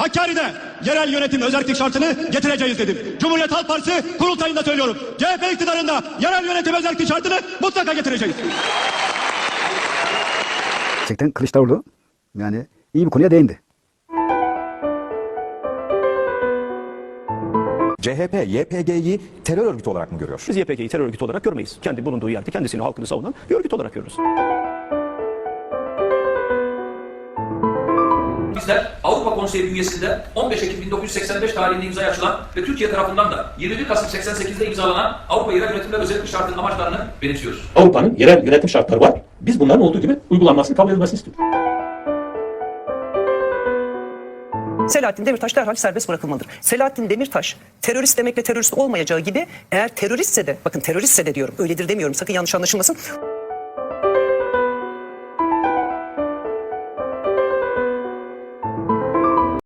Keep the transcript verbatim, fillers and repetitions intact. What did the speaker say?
Hakkari'de yerel yönetim özellik şartını getireceğiz dedim. Cumhuriyet Halk Partisi kurultayında söylüyorum. C H P iktidarında yerel yönetim özellik şartını mutlaka getireceğiz. Gerçekten Kılıçdaroğlu yani iyi bir konuya değindi. C H P, Y P G'yi terör örgütü olarak mı görüyor? Biz Y P G'yi terör örgütü olarak görmeyiz. Kendi bulunduğu yerde kendisini, halkını savunan bir örgüt olarak görürüz. Bizler Avrupa Konseyi bünyesinde on beş Ekim bin dokuz yüz seksen beş tarihinde imzaya açılan ve Türkiye tarafından da yirmi bir Kasım seksen sekizde imzalanan Avrupa Yerel Yönetimler Özellik Şartı'nın amaçlarını benimsiyoruz. Avrupa'nın yerel yönetim şartları var. Biz bunların olduğu gibi uygulanmasını, kabul edilmesini istiyoruz. Selahattin Demirtaş derhal serbest bırakılmalıdır. Selahattin Demirtaş terörist demekle terörist olmayacağı gibi eğer teröristse de, bakın teröristse de diyorum, öyledir demiyorum, sakın yanlış anlaşılmasın.